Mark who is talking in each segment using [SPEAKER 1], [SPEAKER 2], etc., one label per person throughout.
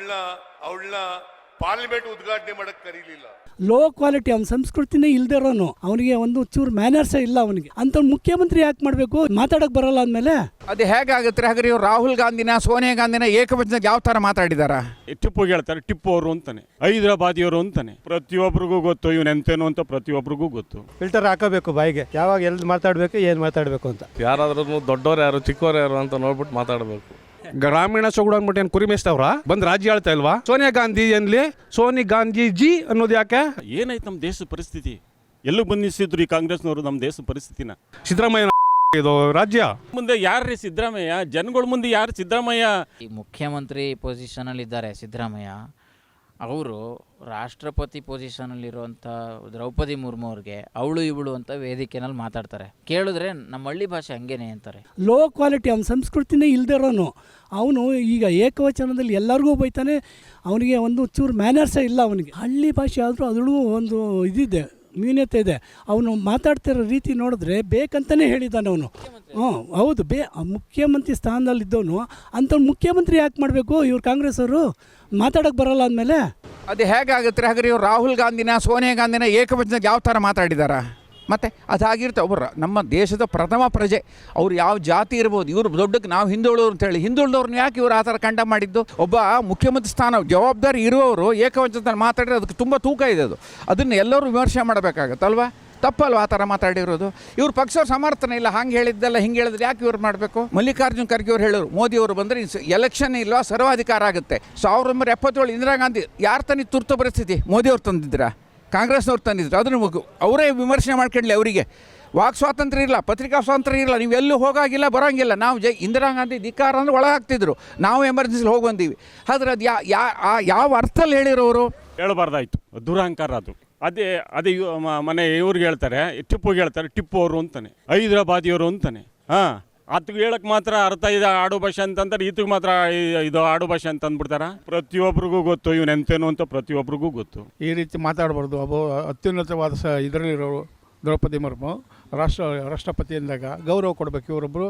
[SPEAKER 1] ಅವಳನ್ನ ಪಾರ್ಲಿಮೆಂಟ್ ಉದ್ಘಾಟನೆ ಮಾಡಕ್ ಕರೀಲಿಲ್ಲ.
[SPEAKER 2] ಲೋ ಕ್ವಾಲಿಟಿ, ಅವ್ನ ಸಂಸ್ಕೃತಿನೇ ಇಲ್ದೇ ಇರೋನು, ಅವನಿಗೆ ಒಂದು ಚೂರು ಮ್ಯಾನರ್ಸೇ ಇಲ್ಲ ಅವನಿಗೆ. ಅಂತ ಮುಖ್ಯಮಂತ್ರಿ ಯಾಕೆ ಮಾಡಬೇಕು? ಮಾತಾಡಕ್ ಬರಲ್ಲ ಅಂದಮೇಲೆ
[SPEAKER 3] ಅದು ಹೇಗಾಗುತ್ತೆ? ಹಾಗಾದ್ರೆ ಇವ್ರು ರಾಹುಲ್ ಗಾಂಧಿನ ಸೋನಿಯಾ ಗಾಂಧಿನ ಏಕವಚನಕ್ಕೆ ಯಾವ ಥರ ಮಾತಾಡಿದಾರ?
[SPEAKER 4] ಟಿಪ್ಪು ಹೇಳ್ತಾರೆ, ಟಿಪ್ಪು ಅವರು ಅಂತಾನೆ, ಹೈದರಾಬಾದಿಯವರು ಅಂತಾನೆ. ಪ್ರತಿಯೊಬ್ಬರಿಗೂ ಗೊತ್ತು ಇವನು ಎಂತೇನು ಅಂತ, ಪ್ರತಿಯೊಬ್ಬರಿಗೂ ಗೊತ್ತು.
[SPEAKER 5] ಫಿಲ್ಟರ್ ಹಾಕಬೇಕು ಬಾಯಿಗೆ, ಯಾವಾಗ ಎಲ್ಲಿ ಮಾತಾಡಬೇಕು, ಏನು ಮಾತಾಡಬೇಕು ಅಂತ.
[SPEAKER 6] ಯಾರಾದ್ರೂ ದೊಡ್ಡವ್ರು ಯಾರು ಚಿಕ್ಕವ್ರು ಯಾರು ಅಂತ ನೋಡ್ಬಿಟ್ಟು ಮಾತಾಡಬೇಕು.
[SPEAKER 7] ಗ್ರಾಮೀಣ ಸೊಗಡು ಅಂದ್ಬಿಟ್ಟು ಏನು ಕುರಿ ಮೇಯಿಸ್ತವ್ರ? ಬಂದು ರಾಜ್ಯ ಆಳ್ತಾ ಇಲ್ವಾ? ಸೋನಿಯಾ ಗಾಂಧಿ ಎನ್ಲಿ ಸೋನಿ ಗಾಂಧಿ ಜಿ ಅನ್ನೋದು ಯಾಕೆ?
[SPEAKER 4] ಏನಾಯ್ತು ನಮ್ಮ ದೇಶದ ಪರಿಸ್ಥಿತಿ? ಎಲ್ಲೂ ಬಂದಿಸಿದ್ರು ಈ ಕಾಂಗ್ರೆಸ್ನವರು ನಮ್ಮ ದೇಶದ ಪರಿಸ್ಥಿತಿನ.
[SPEAKER 7] ಸಿದ್ದರಾಮಯ್ಯ ಇದು ರಾಜ್ಯ
[SPEAKER 4] ಮುಂದೆ ಯಾರ್ರೀ ಸಿದ್ದರಾಮಯ್ಯ? ಜನಗಳ ಮುಂದೆ ಯಾರು ಸಿದ್ದರಾಮಯ್ಯ?
[SPEAKER 8] ಈ ಮುಖ್ಯಮಂತ್ರಿ ಪೊಸಿಷನಲ್ಲಿ ಇದ್ದಾರೆ ಸಿದ್ದರಾಮಯ್ಯ. ಅವರು ರಾಷ್ಟ್ರಪತಿ ಪೊಸಿಷನಲ್ಲಿರುವಂಥ ದ್ರೌಪದಿ ಮುರ್ಮು ಅವ್ರಿಗೆ ಅವಳು ಇವಳು ಅಂತ ವೇದಿಕೆನಲ್ಲಿ ಮಾತಾಡ್ತಾರೆ. ಕೇಳಿದ್ರೆ ನಮ್ಮ ಹಳ್ಳಿ ಭಾಷೆ ಹಂಗೇನೆ ಅಂತಾರೆ.
[SPEAKER 2] ಲೋ ಕ್ವಾಲಿಟಿ, ಅವ್ನ ಸಂಸ್ಕೃತಿನೇ ಇಲ್ದೇ ಇರೋನು, ಅವನು ಈಗ ಏಕವಚನದಲ್ಲಿ ಎಲ್ಲರಿಗೂ ಬೈತಾನೆ. ಅವನಿಗೆ ಒಂದು ಚೂರು ಮ್ಯಾನರ್ಸೇ ಇಲ್ಲ ಅವನಿಗೆ. ಹಳ್ಳಿ ಭಾಷೆ ಆದರೂ ಅದರಲ್ಲೂ ಒಂದು ಇದಿದೆ, ನ್ಯೂನ್ಯತೆ ಇದೆ. ಅವನು ಮಾತಾಡ್ತಿರೋ ರೀತಿ ನೋಡಿದ್ರೆ ಬೇಕಂತಲೇ ಹೇಳಿದ್ದಾನೆ ಅವನು. ಹೌದು, ಮುಖ್ಯಮಂತ್ರಿ ಸ್ಥಾನದಲ್ಲಿದ್ದವನು ಅಂಥ ಮುಖ್ಯಮಂತ್ರಿ ಯಾಕೆ ಮಾಡಬೇಕು? ಇವ್ರು ಕಾಂಗ್ರೆಸ್ ಅವರು ಮಾತಾಡೋಕ್ಕೆ ಬರಲ್ಲ ಅಂದಮೇಲೆ
[SPEAKER 3] ಅದು ಹೇಗಾಗುತ್ತೆ? ಹಾಗಾದ್ರೆ ಇವ್ರು ರಾಹುಲ್ ಗಾಂಧಿನ ಸೋನಿಯಾ ಗಾಂಧಿನ ಏಕವಚನಕ್ಕೆ ಯಾವ ಥರ ಮಾತಾಡಿದಾರ? ಮತ್ತು ಅದಾಗಿರುತ್ತೆ. ಒಬ್ಬರು ನಮ್ಮ ದೇಶದ ಪ್ರಥಮ ಪ್ರಜೆ, ಅವ್ರು ಯಾವ ಜಾತಿ ಇರ್ಬೋದು, ಇವರು ದೊಡ್ಡಕ್ಕೆ ನಾವು ಹಿಂದುಳಿದವ್ರು ಅಂತೇಳಿ ಹಿಂದುಳಿದವ್ರನ್ನ ಯಾಕೆ ಇವರು ಆ ಥರ ಕಂಡ ಮಾಡಿದ್ದು? ಒಬ್ಬ ಮುಖ್ಯಮಂತ್ರಿ ಸ್ಥಾನ ಜವಾಬ್ದಾರಿ ಇರುವವರು ಏಕವಚನದಲ್ಲಿ ಮಾತಾಡಿದ್ರೆ ಅದಕ್ಕೆ ತುಂಬ ತೂಕ ಇದೆ. ಅದನ್ನು ಎಲ್ಲರೂ ವಿಮರ್ಶೆ ಮಾಡಬೇಕಾಗತ್ತಲ್ವಾ? ತಪ್ಪಲ್ವ ಆ ಥರ ಮಾತಾಡಿರೋದು? ಇವ್ರ ಪಕ್ಷವ್ರ ಸಮರ್ಥನೆ ಇಲ್ಲ, ಹಂಗೆ ಹೇಳಿದ್ದೆಲ್ಲ ಹಿಂಗೆ ಹೇಳಿದ್ರೆ ಯಾಕೆ ಇವ್ರು ಮಾಡಬೇಕು? ಮಲ್ಲಿಕಾರ್ಜುನ್ ಖರ್ಗೆ ಅವ್ರು ಹೇಳೋರು, ಮೋದಿಯವರು ಬಂದರೆ ಎಲೆಕ್ಷನ್ ಇಲ್ವಾ ಸರ್ವಾಧಿಕಾರ ಆಗುತ್ತೆ. 1977 ಇಂದಿರಾ ಗಾಂಧಿ ಯಾರು ತಂದಿದ್ದು ತುರ್ತು ಪರಿಸ್ಥಿತಿ? ಮೋದಿಯವ್ರು ತಂದಿದ್ದೀರಾ? ಕಾಂಗ್ರೆಸ್ನವ್ರು ತಂದಿದ್ರು. ಅದನ್ನು ಅವರೇ ವಿಮರ್ಶೆ ಮಾಡ್ಕೊಳ್ಳಿ. ಅವರಿಗೆ ವಾಕ್ ಸ್ವಾತಂತ್ರ್ಯ ಇಲ್ಲ, ಪತ್ರಿಕಾ ಸ್ವಾತಂತ್ರ್ಯ ಇಲ್ಲ, ನೀವು ಎಲ್ಲೂ ಹೋಗಾಗಿಲ್ಲ ಬರೋಂಗಿಲ್ಲ. ನಾವು ಇಂದಿರಾ ಗಾಂಧಿ ಧಿಕ್ಕಾರ ಅಂದರೆ ಒಳಗಾಗ್ತಿದ್ರು, ನಾವು ಎಮರ್ಜೆನ್ಸಿಲಿ ಹೋಗಿ ಬಂದೀವಿ. ಆದರೆ ಅದು ಯಾವ ಅರ್ಥದಲ್ಲಿ ಹೇಳಿರೋರು?
[SPEAKER 4] ಹೇಳಬಾರ್ದಾಯ್ತು, ದುರಹಂಕಾರ ಅದು. ಅದೇ ಮನೆ ಇವ್ರಿಗೆ ಹೇಳ್ತಾರೆ, ಟಿಪ್ಪುಗೆ ಹೇಳ್ತಾರೆ, ಟಿಪ್ಪು ಅವರು ಅಂತಾನೆ, ಹೈದರಾಬಾದಿಯವರು ಅಂತಾನೆ. ಅದಕ್ಕೆ ಹೇಳಕ್ಕೆ ಮಾತ್ರ ಅರ್ಥ ಇದೆ ಆಡು ಭಾಷೆ ಅಂತಂತಾರೆ, ಈತಿಗೆ ಮಾತ್ರ ಇದು ಆಡು ಭಾಷೆ ಅಂತ ಅಂದ್ಬಿಡ್ತಾರ. ಪ್ರತಿಯೊಬ್ಬರಿಗೂ ಗೊತ್ತು ಇವನು ಎಂತೇನು ಅಂತ, ಪ್ರತಿಯೊಬ್ಬರಿಗೂ ಗೊತ್ತು.
[SPEAKER 5] ಈ ರೀತಿ ಮಾತಾಡಬಾರ್ದು. ಅತ್ಯುನ್ನತವಾದ ಇದರಲ್ಲಿರೋರು ದ್ರೌಪದಿ ಮುರ್ಮು ರಾಷ್ಟ್ರಪತಿ ಅಂದಾಗ ಗೌರವ ಕೊಡಬೇಕು. ಇವರೊಬ್ಬರು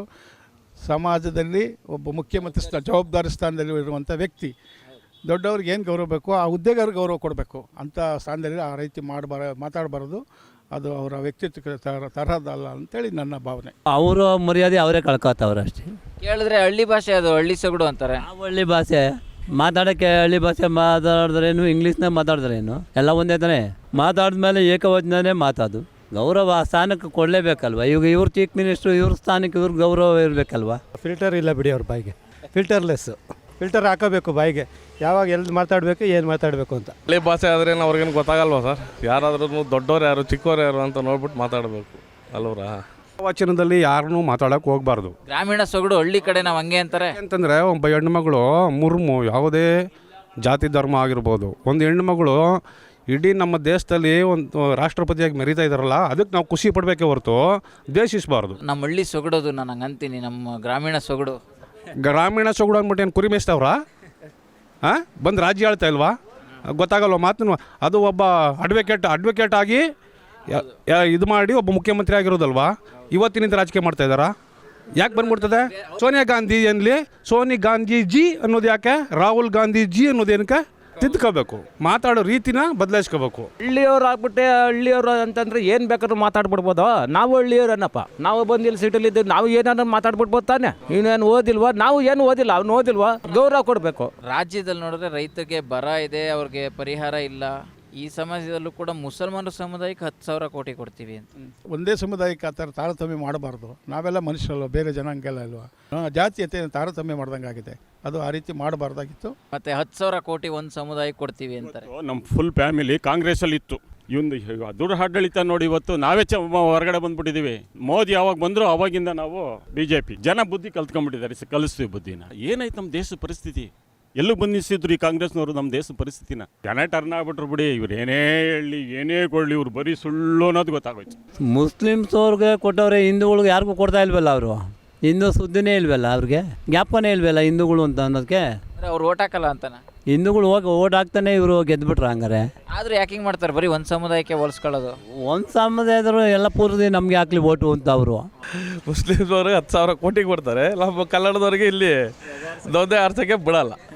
[SPEAKER 5] ಸಮಾಜದಲ್ಲಿ ಒಬ್ಬ ಮುಖ್ಯಮಂತ್ರಿ ಜವಾಬ್ದಾರಿ ಸ್ಥಾನದಲ್ಲಿ ಇರುವಂಥ ವ್ಯಕ್ತಿ. ದೊಡ್ಡವ್ರಿಗೆ ಏನು ಗೌರವ ಬೇಕು ಆ ಹುದ್ದೆಗೆ ಗೌರವ ಕೊಡಬೇಕು. ಅಂಥ ಸ್ಥಾನದಲ್ಲಿ ಆ ರೀತಿ ಮಾತಾಡಬಾರ್ದು. ಅದು ಅವರ ವ್ಯಕ್ತಿತ್ವಕ್ಕೆ ತರಹದಲ್ಲ ಅಂತೇಳಿ ನನ್ನ ಭಾವನೆ.
[SPEAKER 9] ಅವರ ಮರ್ಯಾದೆ ಅವರೇ ಕಳ್ಕೊತವ್ರು ಅಷ್ಟೇ.
[SPEAKER 8] ಕೇಳಿದ್ರೆ ಹಳ್ಳಿ ಭಾಷೆ, ಅದು ಹಳ್ಳಿ ಸೊಗಡು ಅಂತಾರೆ.
[SPEAKER 9] ನಾವು ಹಳ್ಳಿ ಭಾಷೆ ಮಾತಾಡೋಕ್ಕೆ ಹಳ್ಳಿ ಭಾಷೆ ಮಾತಾಡಿದ್ರೇನು, ಇಂಗ್ಲೀಷ್ನಾಗ ಮಾತಾಡಿದ್ರೇನು ಎಲ್ಲ ಒಂದೇ ತಾನೆ. ಮಾತಾಡಿದ್ಮೇಲೆ ಏಕವಚನನೇ ಮಾತಾಡು. ಗೌರವ ಆ ಸ್ಥಾನಕ್ಕೆ ಕೊಡಲೇಬೇಕಲ್ವ? ಇವ್ರು ಚೀಫ್ ಮಿನಿಸ್ಟ್ರು, ಇವ್ರ ಸ್ಥಾನಕ್ಕೆ ಇವ್ರ ಗೌರವ ಇರಬೇಕಲ್ವ?
[SPEAKER 5] ಫಿಲ್ಟರ್ ಇಲ್ಲ ಬಿಡಿ ಅವ್ರ ಬಾಯಿಗೆ, ಫಿಲ್ಟರ್ ಹಾಕಬೇಕು ಬಾಯಿಗೆ, ಯಾವಾಗ ಎಲ್ಲಿ ಮಾತಾಡಬೇಕು, ಏನು ಮಾತಾಡಬೇಕು ಅಂತ.
[SPEAKER 6] ಹಳ್ಳಿ ಭಾಷೆ ಆದ್ರೆ ಅವ್ರಿಗೇನು ಗೊತ್ತಾಗಲ್ವಾ ಸರ್? ಯಾರಾದ್ರೂ ದೊಡ್ಡವ್ರು ಯಾರು ಚಿಕ್ಕವ್ರು ಯಾರು ಅಂತ ನೋಡ್ಬಿಟ್ಟು ಮಾತಾಡಬೇಕು ಅಲ್ವರಾ?
[SPEAKER 7] ವಚನದಲ್ಲಿ ಯಾರನ್ನೂ ಮಾತಾಡೋಕೆ ಹೋಗಬಾರ್ದು.
[SPEAKER 8] ಗ್ರಾಮೀಣ ಸೊಗಡು ಹಳ್ಳಿ ಕಡೆ ನಾವು ಹಂಗೆ ಅಂತಾರೆ.
[SPEAKER 7] ಅಂತಂದರೆ ಒಬ್ಬ ಹೆಣ್ಣುಮಗಳು ಮುರ್ಮು ಯಾವುದೇ ಜಾತಿ ಧರ್ಮ ಆಗಿರ್ಬೋದು, ಒಂದು ಹೆಣ್ಣುಮಗಳು ಇಡೀ ನಮ್ಮ ದೇಶದಲ್ಲಿ ಒಂದು ರಾಷ್ಟ್ರಪತಿಯಾಗಿ ಮೆರೀತಾ ಇದ್ದಾರಲ್ಲ, ಅದಕ್ಕೆ ನಾವು ಖುಷಿ ಪಡಬೇಕೆ ಹೊರತು ದ್ವೇಷಿಸಬಾರ್ದು.
[SPEAKER 8] ನಮ್ಮ ಹಳ್ಳಿ ಸೊಗಡೋದು ನಾನು ಹಂಗೆ ಅಂತೀನಿ. ನಮ್ಮ ಗ್ರಾಮೀಣ ಸೊಗಡು
[SPEAKER 7] ಅಂದ್ಬಿಟ್ಟು ಏನು ಕುರಿ ಮೇಯಿಸ್ತವ್ರ? ಬಂದು ರಾಜ್ಯ ಆಳ್ತಾ ಇಲ್ವಾ? ಗೊತ್ತಾಗಲ್ವ ಮಾತನ್ನು? ಅದು ಒಬ್ಬ ಅಡ್ವೊಕೇಟ್ ಆಗಿ ಇದು ಮಾಡಿ ಒಬ್ಬ ಮುಖ್ಯಮಂತ್ರಿ ಆಗಿರೋದಲ್ವಾ? ಇವತ್ತಿನಿಂದ ರಾಜಕೀಯ ಮಾಡ್ತಾ ಇದ್ದಾರಾ? ಯಾಕೆ ಬಂದ್ಬಿಡ್ತದೆ? ಸೋನಿಯಾ ಗಾಂಧಿ ಎನ್ಲಿ ಸೋನಿ ಗಾಂಧಿ ಜಿ ಅನ್ನೋದು ಯಾಕೆ? ರಾಹುಲ್ ಗಾಂಧಿ ಜಿ ಅನ್ನೋದೇನಕ್ಕೆ? ತಿದ್ಕೋಬೇಕು, ಮಾತಾಡೋ ರೀತಿನ ಬದಲಾಯಿಸ್ಕೋಬೇಕು.
[SPEAKER 9] ಹಳ್ಳಿಯವ್ರು ಆಗ್ಬಿಟ್ಟೆ ಹಳ್ಳಿಯವರು ಅಂತಂದ್ರೆ ಏನು ಬೇಕಾದ್ರೂ ಮಾತಾಡ್ಬಿಡ್ಬೋದು. ನಾವು ಹಳ್ಳಿಯವ್ರನ್ನಪ್ಪ, ನಾವು ಬಂದು ಇಲ್ಲಿ ಸಿಟಿಲಿದ್ದು ನಾವು ಏನಾದ್ರು ಮಾತಾಡ್ಬಿಡ್ಬೋದು ತಾನೆ. ಇನ್ನೇನು ಓದಿಲ್ವಾ? ನಾವು ಏನು ಓದಿಲ್ಲ, ಅವ್ನು ಓದಿಲ್ವಾ? ಗೌರವ ಕೊಡಬೇಕು.
[SPEAKER 8] ರಾಜ್ಯದಲ್ಲಿ ನೋಡಿದ್ರೆ ರೈತರಿಗೆ ಬರ ಇದೆ, ಅವ್ರಿಗೆ ಪರಿಹಾರ ಇಲ್ಲ. ಈ ಸಮಾಜದಲ್ಲೂ ಕೂಡ ಮುಸಲ್ಮಾನರ ಸಮುದಾಯಕ್ಕೆ 10,000 ಕೋಟಿ ಕೊಡ್ತೀವಿ ಅಂತ.
[SPEAKER 5] ಒಂದೇ ಸಮುದಾಯಕ್ಕೆ ಆ ಥರ ತಾರತಮ್ಯ ಮಾಡಬಾರ್ದು. ನಾವೆಲ್ಲ ಮನುಷ್ಯರಲ್ವ, ಬೇರೆ ಜನಾಂಗ ಅಲ್ವಾ? ಜಾತೀಯತೆ ತಾರತಮ್ಯ ಮಾಡ್ದಂಗೆ ಆಗಿದೆ. ಅದು ಆ ರೀತಿ ಮಾಡಬಾರ್ದಾಗಿತ್ತು.
[SPEAKER 8] ಮತ್ತೆ 10,000 ಕೋಟಿ ಒಂದು ಸಮುದಾಯಕ್ಕೆ ಕೊಡ್ತೀವಿ ಅಂತಾರೆ.
[SPEAKER 4] ನಮ್ಮ ಫುಲ್ ಫ್ಯಾಮಿಲಿ ಕಾಂಗ್ರೆಸ್ಸಲ್ಲಿ ಇತ್ತು. ಇವೊಂದು ದುಡ್ಡು ಆಡಳಿತ ನೋಡಿ ಇವತ್ತು ನಾವೇ ಹೊರಗಡೆ ಬಂದ್ಬಿಟ್ಟಿದ್ದೀವಿ. ಮೋದಿ ಯಾವಾಗ ಬಂದ್ರು ಅವಾಗಿಂದ ನಾವು BJP ಜನ ಬುದ್ಧಿ ಕಲ್ತ್ಕೊಂಡ್ಬಿಟ್ಟಿದ್ದಾರೆ. ಕಲಿಸ್ತೀವಿ ಬುದ್ಧಿನ. ಏನಾಯ್ತು ನಮ್ಮ ದೇಶದ ಪರಿಸ್ಥಿತಿ? ಎಲ್ಲೂ ಬಂದಿಸಿದ್ರು ಈ ಕಾಂಗ್ರೆಸ್ನವರು ನಮ್ಮ ದೇಶದ ಪರಿಸ್ಥಿತಿನ. ಜನ ಟರ್ನ್ ಆಗ್ಬಿಟ್ರು ಬಿಡಿ. ಇವ್ರು ಏನೇ ಹೇಳಿ ಏನೇ ಕೊಡಲಿ, ಇವ್ರು ಬರೀ ಸುಳ್ಳು ಅನ್ನೋದು ಗೊತ್ತಾಗೋಯ್ತು.
[SPEAKER 9] ಮುಸ್ಲಿಮ್ಸ್ ಅವ್ರಿಗೆ ಕೊಟ್ಟವ್ರೆ, ಹಿಂದೂಗಳಿಗೆ ಯಾರಿಗೂ ಕೊಡ್ತಾ ಇಲ್ವಲ್ಲ ಅವರು. ಹಿಂದೂ ಸುದ್ದಿನೇ ಇಲ್ವಲ್ಲ, ಅವ್ರಿಗೆ ಜ್ಞಾಪನೇ ಇಲ್ವಲ್ಲ ಹಿಂದೂಗಳು ಅಂತ ಅನ್ನೋದಕ್ಕೆ.
[SPEAKER 8] ಅವ್ರು ಓಟ್ ಹಾಕಲ್ಲ ಅಂತಾನೆ.
[SPEAKER 9] ಹಿಂದೂಗಳು ಹೋಗಿ ಓಟ್ ಹಾಕ್ತಾನೆ ಇವರು ಗೆದ್ಬಿಟ್ರು. ಹಂಗಾರೆ
[SPEAKER 8] ಆದ್ರೂ ಯಾಕಿಂಗ್ ಮಾಡ್ತಾರೆ? ಬರೀ ಒಂದು ಸಮುದಾಯಕ್ಕೆ ಹೋಲಿಸ್ಕೊಳ್ಳೋದು.
[SPEAKER 9] ಒಂದು ಸಮುದಾಯದ್ರು ಎಲ್ಲ ಪೂರ್ತಿ ನಮಗೆ ಹಾಕ್ಲಿ ಓಟು ಅಂತ ಅವರು.
[SPEAKER 6] ಮುಸ್ಲಿಮ್ಸ್ ಅವ್ರಿಗೆ 10,000 ಕೋಟಿ ಕೊಡ್ತಾರೆ, ನಮ್ಮ ಕನ್ನಡದವ್ರಿಗೆ ಇಲ್ಲಿ ದೊಡ್ಡ ಅರ್ಥಕ್ಕೆ ಬಿಡಲ್ಲ.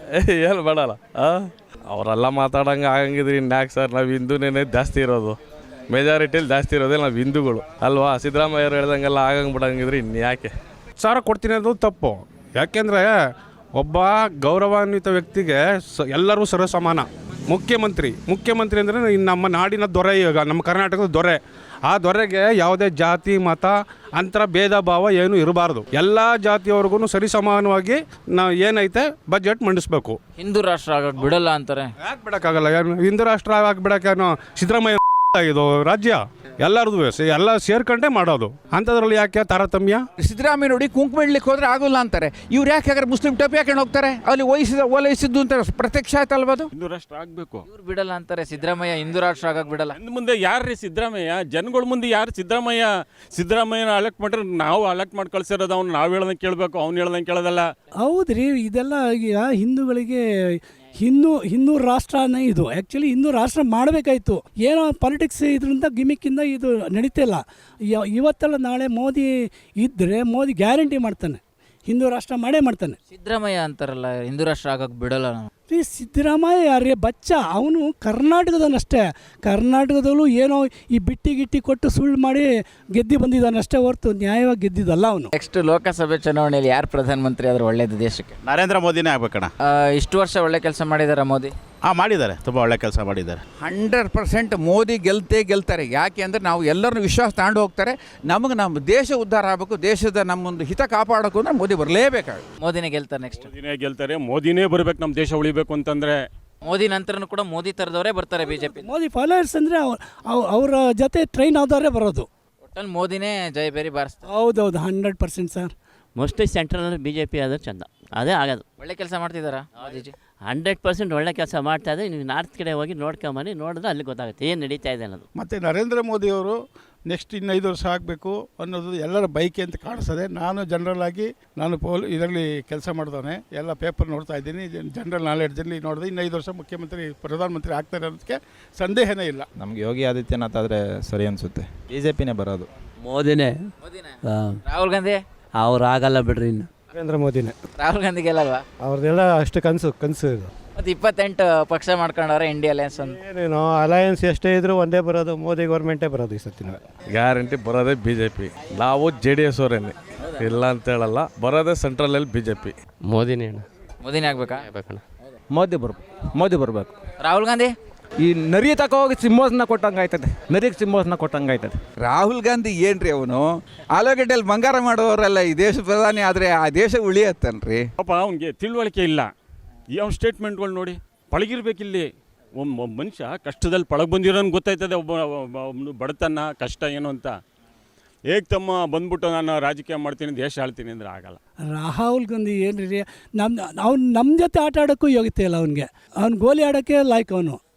[SPEAKER 6] ಏನು ಬೇಡಲ್ಲ ಅವರೆಲ್ಲ ಮಾತಾಡಂಗೆ ಆಗಂಗಿದ್ರಿ ಇನ್ಯಾಕೆ ಸರ್, ನಾವು ಹಿಂದೂನೇ ಜಾಸ್ತಿ ಇರೋದು, ಮೆಜಾರಿಟಿಲಿ ಜಾಸ್ತಿ ಇರೋದೇ ನಾವು ಹಿಂದೂಗಳು ಅಲ್ವಾ. ಸಿದ್ದರಾಮಯ್ಯವ್ರು ಹೇಳ್ದಂಗೆಲ್ಲ ಆಗಂಗೆ ಬಿಡಂಗಿದ್ರಿ ಇನ್ಯಾಕೆ.
[SPEAKER 7] ಸಾರ ಕೊಡ್ತೀನಿ ಅನ್ನೋದು ತಪ್ಪು. ಯಾಕೆಂದರೆ ಒಬ್ಬ ಗೌರವಾನ್ವಿತ ವ್ಯಕ್ತಿಗೆ ಎಲ್ಲರೂ ಸರ್ವಸಮಾನ. ಮುಖ್ಯಮಂತ್ರಿ ಅಂದರೆ ನಮ್ಮ ನಾಡಿನ ದೊರೆ, ಈಗ ನಮ್ಮ ಕರ್ನಾಟಕದ ದೊರೆ. ಆ ದೊರೆಗೆ ಯಾವುದೇ ಜಾತಿ ಮತ ಅಂತರ ಭೇದ ಭಾವ ಏನು ಇರಬಾರ್ದು. ಎಲ್ಲ ಜಾತಿಯವ್ರಿಗೂ ಸರಿಸಮಾನವಾಗಿ ನಾವು ಏನೈತೆ ಬಜೆಟ್ ಮಂಡಿಸ್ಬೇಕು.
[SPEAKER 8] ಹಿಂದೂ ರಾಷ್ಟ್ರ ಆಗಕ್ಕೆ ಬಿಡಲ್ಲ ಅಂತಾರೆ.
[SPEAKER 7] ಯಾಕೆ ಬಿಡೋಕ್ಕಾಗಲ್ಲ? ಹಿಂದೂ ರಾಷ್ಟ್ರ ಆಗಿಬಿಡೋಕ್ಕೇನು ಸಿದ್ದರಾಮಯ್ಯ ಇದು ರಾಜ್ಯ ಎಲ್ಲರದು ಎಲ್ಲ ಸೇರ್ಕೊಂಡೇ ಮಾಡೋದು. ಅಂಥದ್ರಲ್ಲಿ ಯಾಕೆ ತಾರತಮ್ಯ?
[SPEAKER 3] ಸಿದ್ದರಾಮಯ್ಯ ನೋಡಿ ಕುಂಕುಮ ಇಡ್ಲಿಕ್ಕೆ ಹೋದ್ರೆ ಆಗೋಲ್ಲ ಅಂತಾರೆ. ಇವ್ರು ಯಾಕೆ ಹಾಗಾದ್ರೆ ಮುಸ್ಲಿಂ ಟೋಪಿ ಹಾಕೊಂಡು ಹೋಗ್ತಾರೆ? ಅಲ್ಲಿ ಓಲೈಸಿದ್ದು ಅಂತ ಪ್ರತ್ಯಕ್ಷ ಆಯ್ತಲ್ವ ಅದು?
[SPEAKER 4] ಹಿಂದೂ ರಾಷ್ಟ್ರ ಆಗಬೇಕು.
[SPEAKER 8] ಇವ್ರು ಬಿಡಲ್ಲ ಅಂತಾರೆ, ಸಿದ್ದರಾಮಯ್ಯ ಹಿಂದೂ ರಾಷ್ಟ್ರ ಆಗಕ್ಕೆ ಬಿಡಲ್ಲ.
[SPEAKER 4] ಇನ್ನು ಮುಂದೆ ಯಾರು ಸಿದ್ದರಾಮಯ್ಯ? ಜನಗಳ ಮುಂದೆ ಯಾರು ಸಿದ್ದರಾಮಯ್ಯನ ಅಲೆಕ್ಟ್ ಮಾಡ್ರೆ ನಾವು ಅಲೆಕ್ಟ್ ಮಾಡಿ ಕಳ್ಸಿರೋದು. ಅವ್ನು ನಾವು ಹೇಳ್ದಂಗೆ ಕೇಳಬೇಕು, ಅವ್ನು ಹೇಳ್ದಂಗೆ ಕೇಳೋದಲ್ಲ.
[SPEAKER 2] ಹೌದ್ರಿ, ಇದೆಲ್ಲ ಈಗ ಹಿಂದೂಗಳಿಗೆ ಹಿಂದೂ ರಾಷ್ಟ್ರನೇ ಇದು. ಆ್ಯಕ್ಚುಲಿ ಹಿಂದೂ ರಾಷ್ಟ್ರ ಮಾಡಬೇಕಾಯ್ತು. ಏನೋ ಪಾಲಿಟಿಕ್ಸ್ ಇದರಿಂದ ಗಿಮಿಕ್ಕಿಂದ ಇದು ನಡೀತಿಲ್ಲ. ಇವತ್ತೆಲ್ಲ ನಾಳೆ ಮೋದಿ ಇದ್ದರೆ ಮೋದಿ ಗ್ಯಾರಂಟಿ ಮಾಡ್ತಾನೆ, ಹಿಂದೂ ರಾಷ್ಟ್ರ ಮಾಡೇ ಮಾಡ್ತಾನೆ.
[SPEAKER 8] ಸಿದ್ದರಾಮಯ್ಯ ಅಂತಾರಲ್ಲ ಹಿಂದೂ ರಾಷ್ಟ್ರ ಆಗಕ್ಕೆ ಬಿಡಲ್ಲ ನಾವು.
[SPEAKER 2] ಈ ಸಿದ್ದರಾಮಯ್ಯ ಯಾರೇ ಬಚ್ಚ, ಅವನು ಕರ್ನಾಟಕದನಷ್ಟೇ. ಕರ್ನಾಟಕದಲ್ಲೂ ಏನೋ ಈ ಬಿಟ್ಟಿ ಕೊಟ್ಟು ಸುಳ್ಳು ಮಾಡಿ ಗೆದ್ದು ಬಂದಿದ್ದಾನಷ್ಟೇ ಹೊರತು ನ್ಯಾಯವಾಗಿ ಗೆದ್ದಿದ್ದಲ್ಲ ಅವನು.
[SPEAKER 8] ನೆಕ್ಸ್ಟ್ ಲೋಕಸಭೆ ಚುನಾವಣೆಯಲ್ಲಿ ಯಾರು ಪ್ರಧಾನಮಂತ್ರಿ ಆದ್ರೆ ಒಳ್ಳೇದು ದೇಶಕ್ಕೆ?
[SPEAKER 10] ನರೇಂದ್ರ ಮೋದಿನೇ ಆಗ್ಬೇಕಣ್ಣ.
[SPEAKER 8] ಇಷ್ಟು ವರ್ಷ ಒಳ್ಳೆ ಕೆಲಸ ಮಾಡಿದಾರ ಮೋದಿ?
[SPEAKER 10] ಮಾಡಿದ್ದಾರೆ, ತುಂಬ ಒಳ್ಳೆ ಕೆಲಸ ಮಾಡಿದ್ದಾರೆ.
[SPEAKER 3] 100% ಮೋದಿ ಗೆಲ್ತಾರೆ. ಯಾಕೆ ಅಂದರೆ ನಾವು ಎಲ್ಲರನ್ನೂ ವಿಶ್ವಾಸ ತಗೊಂಡು ಹೋಗ್ತಾರೆ. ನಮಗೆ ನಮ್ಮ ದೇಶ ಉದ್ಧಾರ ಆಗಬೇಕು, ದೇಶದ ನಮ್ಮೊಂದು ಹಿತ ಕಾಪಾಡಬೇಕು ಅಂದರೆ ಮೋದಿ ಬರಲೇಬೇಕಾಗುತ್ತೆ.
[SPEAKER 8] ಮೋದಿನೇ ಗೆಲ್ತಾರೆ. ನೆಕ್ಸ್ಟ್
[SPEAKER 4] ಮೋದಿನೇ ಬರಬೇಕು ನಮ್ಮ ದೇಶ ಉಳಿಬೇಕು ಅಂತಂದರೆ.
[SPEAKER 8] ಮೋದಿ ನಂತರನೂ ಕೂಡ ಮೋದಿ ಥರದವರೇ ಬರ್ತಾರೆ ಬಿಜೆಪಿ.
[SPEAKER 2] ಮೋದಿ ಫಾಲೋವರ್ಸ್ ಅಂದರೆ ಅವರ ಜೊತೆ ಟ್ರೈನ್ ಆದವರೇ ಬರೋದು.
[SPEAKER 8] ಒಟ್ಟಲ್ಲಿ ಮೋದಿನೇ ಜಯಬೇರಿ ಬಾರಿಸ್ತಾರೆ.
[SPEAKER 2] ಹೌದೌದು, 100% ಸರ್.
[SPEAKER 9] ಮೋಸ್ಟ್ಲಿ ಸೆಂಟ್ರಲ್ BJP ಆದ್ರೆ ಚಂದ, ಅದೇ ಆಗೋದು.
[SPEAKER 8] ಒಳ್ಳೆ ಕೆಲಸ ಮಾಡ್ತಿದ್ದಾರಾ ಮೋದಿಜಿ?
[SPEAKER 9] 100% ಒಳ್ಳೆ ಕೆಲಸ ಮಾಡ್ತಾ ಇದೆ. ನೀವು ನಾರ್ತ್ ಕಡೆ ಹೋಗಿ ನೋಡ್ಕೊಂಬನ್ನಿ, ನೋಡಿದ್ರೆ ಅಲ್ಲಿ ಗೊತ್ತಾಗುತ್ತೆ ಏನು ನಡೀತಾ ಇದೆ ಅನ್ನೋದು.
[SPEAKER 5] ಮತ್ತು ನರೇಂದ್ರ ಮೋದಿಯವರು ನೆಕ್ಸ್ಟ್ 5 ವರ್ಷ ಆಗಬೇಕು ಅನ್ನೋದು ಎಲ್ಲರ ಬೈಕೆ ಅಂತ ಕಾಣಿಸ್ತದೆ. ನಾನು ಜನರಲ್ ಆಗಿ ಇದರಲ್ಲಿ ಕೆಲಸ ಮಾಡಿದವನೇ, ಎಲ್ಲ ಪೇಪರ್ ನೋಡ್ತಾ ಇದ್ದೀನಿ, ಜನರಲ್ ನಾಲೆಡ್ಜಲ್ಲಿ ನೋಡಿದೆ. 5 ವರ್ಷ ಪ್ರಧಾನಮಂತ್ರಿ ಆಗ್ತಾರೆ ಅನ್ನೋದಕ್ಕೆ ಸಂದೇಹನೇ ಇಲ್ಲ.
[SPEAKER 11] ನಮ್ಗೆ ಯೋಗಿ ಆದಿತ್ಯನಾಥ್ ಆದರೆ ಸರಿ ಅನಿಸುತ್ತೆ. BJPನೇ ಬರೋದು.
[SPEAKER 9] ಮೋದಿನೇ.
[SPEAKER 8] ರಾಹುಲ್ ಗಾಂಧಿ
[SPEAKER 9] ಅವ್ರು ಆಗಲ್ಲ ಬಿಡ್ರಿ. ಇನ್ನು
[SPEAKER 2] ನರೇಂದ್ರ ಮೋದಿನೇ.
[SPEAKER 8] ರಾಹುಲ್ ಗಾಂಧಿ ಗೆಲ್ಲಲ್ವಾ?
[SPEAKER 2] ಅವ್ರದ್ದೆಲ್ಲ ಅಷ್ಟು ಕನಸು ಇದು.
[SPEAKER 8] ಮತ್ತು 28 ಪಕ್ಷ ಮಾಡ್ಕೊಂಡವ್ರೆ ಇಂಡಿಯಾ ಅಲಯನ್ಸ್ ಅಂತ.
[SPEAKER 2] ಏನೇನೋ ಅಲಯನ್ಸ್ ಎಷ್ಟೇ ಇದ್ರೂ ಒಂದೇ ಬರೋದು, ಮೋದಿ ಗೌರ್ಮೆಂಟೇ ಬರೋದು ಈ ಸತ್ತಿನ.
[SPEAKER 6] ಗ್ಯಾರಂಟಿ ಬರೋದೇ BJP. ನಾವು JDS ಅವರೇನೆ, ಇಲ್ಲ ಅಂತ ಹೇಳಲ್ಲ. ಬರೋದೇ ಸೆಂಟ್ರಲಲ್ಲಿ BJP.
[SPEAKER 9] ಮೋದಿನೇ.
[SPEAKER 8] ಮೋದಿನೇ ಆಗ್ಬೇಕಾ?
[SPEAKER 11] ಮೋದಿ ಬರಬೇಕು.
[SPEAKER 8] ರಾಹುಲ್ ಗಾಂಧಿ
[SPEAKER 11] ಈ ನರಿ ತಕ ಹೋಗಿ ಸಿಂಹಾಸನ ಕೊಟ್ಟಂಗೆ ಆಯ್ತದೆ, ನರಿಗೆ ಸಿಂಹಾಸನ ಕೊಟ್ಟಂಗೆ ಆಯ್ತದೆ.
[SPEAKER 3] ರಾಹುಲ್ ಗಾಂಧಿ ಏನ್ರಿ ಅವನು ಆಲೂಗಡ್ಡೆಯಲ್ಲಿ ಬಂಗಾರ ಮಾಡೋರೆಲ್ಲ ಈ ದೇಶ ಪ್ರಧಾನಿ ಆದರೆ ಆ ದೇಶ ಉಳಿಯತ್ತನ್ರಿ.
[SPEAKER 4] ಪಾಪ ಅವ್ನಿಗೆ ತಿಳುವಳಿಕೆ ಇಲ್ಲ. ಯಾವ ಸ್ಟೇಟ್ಮೆಂಟ್ಗಳು ನೋಡಿ ಪಳಗಿರ್ಬೇಕಿಲ್ಲಿ. ಒಬ್ಬ ಮನುಷ್ಯ ಕಷ್ಟದಲ್ಲಿ ಪಳಗೆ ಬಂದಿರೋನು ಗೊತ್ತಾಯ್ತದೆ ಒಬ್ಬ ಬಡತನ ಕಷ್ಟ ಏನು ಅಂತ. ತಮ್ಮ ಬಂದ್ಬಿಟ್ಟು ನಾನು ರಾಜಕೀಯ ಮಾಡ್ತೀನಿ, ದೇಶ ಆಳ್ತೀನಿ ಅಂದರೆ ಆಗಲ್ಲ.
[SPEAKER 2] ರಾಹುಲ್ ಗಾಂಧಿ ಏನ್ರಿ, ನಮ್ಮ ಜೊತೆ ಆಟ ಆಡೋಕ್ಕೂ ಯೋಗ್ಯತೆ ಇಲ್ಲ ಅವನಿಗೆ. ಅವ್ನು ಗೋಲಿ ಆಡೋಕ್ಕೆ ಲಾಯ್ಕ್ ಅವನು.